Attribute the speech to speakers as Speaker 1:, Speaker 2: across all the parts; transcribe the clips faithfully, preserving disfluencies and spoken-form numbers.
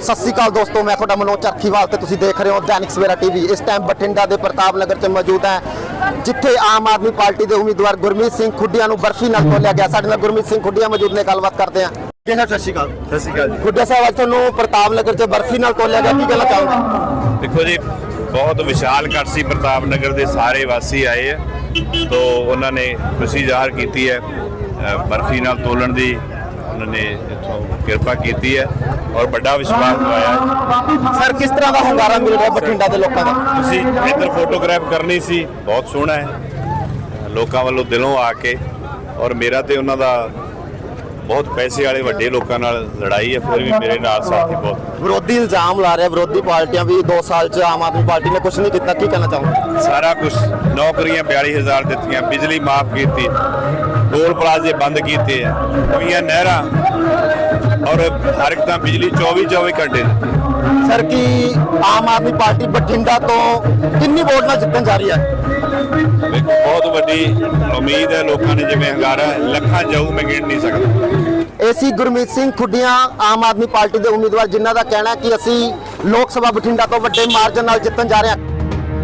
Speaker 1: ਸਤਿ ਸ਼੍ਰੀ ਅਕਾਲ ਦੋਸਤੋ, मैं ਤੁਹਾਡਾ ਮਨੋਜ ਚਰਖੀਵਾਲ ਤੇ ਤੁਸੀਂ ਦੇਖ ਰਹੇ ਹੋ दैनिक सवेरा टीवी। इस टाइम बठिंडा ਦੇ ਪ੍ਰਤਾਪ ਨਗਰ 'ਚ ਮੌਜੂਦ ਹੈ ਜਿੱਥੇ ਆਮ ਆਦਮੀ ਪਾਰਟੀ ਦੇ ਉਮੀਦਵਾਰ ਗੁਰਮੀਤ ਸਿੰਘ ਖੁੱਡੀਆਂ ਨੂੰ ਬਰਫੀ ਨਾਲ ਤੋਲਿਆ ਗਿਆ। ਸਾਡੇ ਨਾਲ ਗੁਰਮੀਤ ਸਿੰਘ ਖੁੱਡੀਆਂ ਮੌਜੂਦ ਨੇ, ਗੱਲਬਾਤ ਕਰਦੇ ਹਾਂ। ਜੀ ਸਰ, ਸਤਿ ਸ਼੍ਰੀ ਅਕਾਲ।
Speaker 2: ਸਤਿ ਸ਼੍ਰੀ ਅਕਾਲ ਜੀ।
Speaker 1: ਖੁੱਡੀਆਂ ਸਾਹਿਬ, ਅੱਜ ਤੁਹਾਨੂੰ ਪ੍ਰਤਾਪ ਨਗਰ 'ਚ ਬਰਫੀ ਨਾਲ ਤੋਲਿਆ ਗਿਆ, ਕੀ ਕਹਿਣਾ ਚਾਹੋਗੇ?
Speaker 2: ਦੇਖੋ ਜੀ, ਬਹੁਤ ਵਿਸ਼ਾਲ ਇਕੱਠ ਸੀ। ਪ੍ਰਤਾਪ ਨਗਰ ਦੇ ਸਾਰੇ ਵਾਸੀ ਆਏ ਹੈ तो उन्होंने खुशी जाहिर की है, बर्फी नाल तोलन की उन्होंने इतों किरपा की है और बड़ा विश्वास दवाया है।
Speaker 1: सर, किस तरह का हंगारा मिल रहा है बठिंडा के लोगों का?
Speaker 2: तुसी इधर फोटोग्राफ करनी सी, बहुत सोहना है लोगों वालों दिलों आके, और मेरा तो उन्हों बहुत पैसे वाले वड्डे लोगों नाल लड़ाई है, फिर भी मेरे नाल साथी बहुत।
Speaker 1: विरोधी इल्जाम ला रहे विरोधी पार्टियां भी दो साल च आम आदमी पार्टी ने कुछ नहीं किया, की कहना चाहूँगा?
Speaker 2: सारा कुछ नौकरियां बयाली हज़ार दित्तियां, बिजली माफ की, टोल प्लाजे बंद किए, नवीं नहर और हर एक बिजली चौबीस चौबीस घंटे।
Speaker 1: सर, की आम आदमी पार्टी बठिंडा तो कितनी वोट नाल जितन जा रही है?
Speaker 2: बहुत बड़ी उम्मीद है लोगों ने, जिवें हंगारा लखा जाऊ मैं गिन नहीं सकता।
Speaker 1: एसी गुरमीत सिंह खुड्डियां आम आदमी पार्टी के उम्मीदवार, जिन्हों का कहना है कि असी लोक सभा बठिंडा तो बड़े मार्जन नाल जितन जा रहे हैं।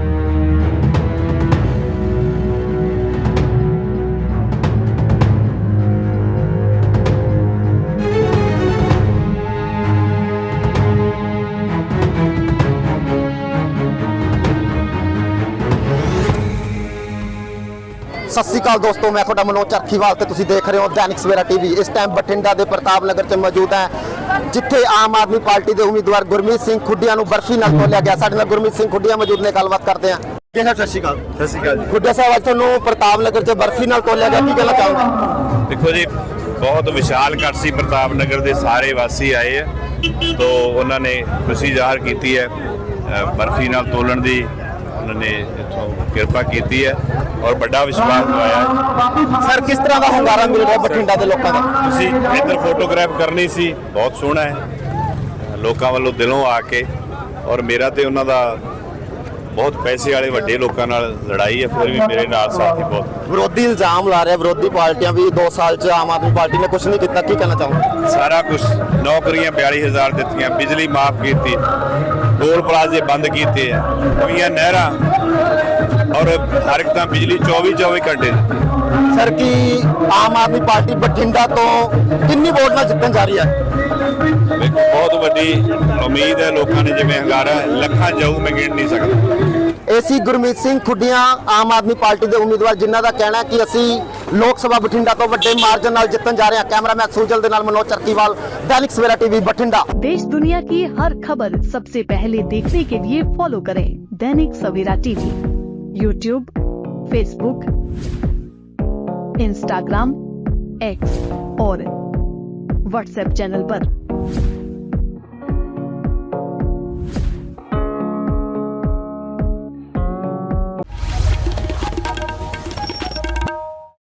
Speaker 1: सत श्री अकाल दोस्तों, मैं ਤੁਹਾਡਾ ਮਨੋਜ ਚਰਖੀਵਾਲ ਤੇ ਤੁਸੀਂ ਦੇਖ ਰਹੇ ਹੋ दैनिक सवेरा टीवी। ਇਸ ਟਾਈਮ ਬਠਿੰਡਾ ਦੇ ਪ੍ਰਤਾਪ ਨਗਰ 'ਚ ਮੌਜੂਦ ਹੈ ਜਿੱਥੇ ਆਮ ਆਦਮੀ ਪਾਰਟੀ ਦੇ ਉਮੀਦਵਾਰ ਗੁਰਮੀਤ ਸਿੰਘ ਖੁੱਡੀਆਂ ਨੂੰ ਬਰਫੀ ਨਾਲ ਤੋਲਿਆ ਗਿਆ। ਸਾਡੇ ਨਾਲ ਗੁਰਮੀਤ ਸਿੰਘ ਖੁੱਡੀਆਂ ਮੌਜੂਦ ਨੇ, ਗੱਲਬਾਤ ਕਰਦੇ ਹਾਂ। ਜੀ ਸਰ, ਸਤਿ ਸ਼੍ਰੀ ਅਕਾਲ।
Speaker 2: ਸਤਿ ਸ਼੍ਰੀ ਅਕਾਲ ਜੀ।
Speaker 1: ਖੁੱਡੀਆਂ ਸਾਹਿਬ, ਅੱਜ ਤੁਹਾਨੂੰ ਪ੍ਰਤਾਪ ਨਗਰ 'ਚ ਬਰਫੀ ਨਾਲ ਤੋਲਿਆ ਗਿਆ, ਕੀ ਕਹਿਣਾ ਚਾਹੋਗੇ?
Speaker 2: देखो जी, बहुत विशाल इकट्ठ सी। प्रताप नगर के सारे वासी आए है तो उन्होंने खुशी जाहिर की है, बर्फी नाल तोलन की उन्होंने इतों किरपा की है और बड़ा विश्वास दवाया है।
Speaker 1: सर, किस तरह का हंगारा मिल रहा है बठिंडा के लोगों का?
Speaker 2: तुसी इधर फोटोग्राफ करनी सी, बहुत सोहना है लोगों वालों दिलों आके, और मेरा तो उन्हों बहुत पैसे वाले वड्डे लोगों नाल लड़ाई है, फिर भी मेरे नाल साथी बहुत।
Speaker 1: विरोधी इल्जाम ला रहे विरोधी पार्टियां भी दो साल च आम आदमी पार्टी ने कुछ नहीं किया, की कहना चाहूँगा?
Speaker 2: सारा कुछ नौकरियां बयाली हज़ार दित्तियां, बिजली माफ की, टोल प्लाजे बंद किए, नवीं नहर और हर एक बिजली चौबीस चौबीस घंटे।
Speaker 1: सर, की आम आदमी पार्टी बठिंडा तो कितनी वोट नाल जितन जा रही है?
Speaker 2: बहुत बड़ी उम्मीद है लोगों ने, जिवें हंगारा लखा जाऊ मैं गिन नहीं सकता।
Speaker 1: एसी गुरमीत सिंह खुड्डियां आम आदमी पार्टी के उम्मीदवार, जिन्हों का कहना है कि असी लोक सभा बठिंडा तो बड़े मार्जन नाल जितन जा रहे हैं। कैमरामैन सुजल दे नाल मनोज चरखीवाल, दैनिक सवेरा टीवी, बठिंडा।
Speaker 3: देश दुनिया की हर खबर सबसे पहले देखने के लिए फॉलो करें Dainik Savera TV, YouTube, Facebook, Instagram, X और व्हाट्सएप चैनल पर।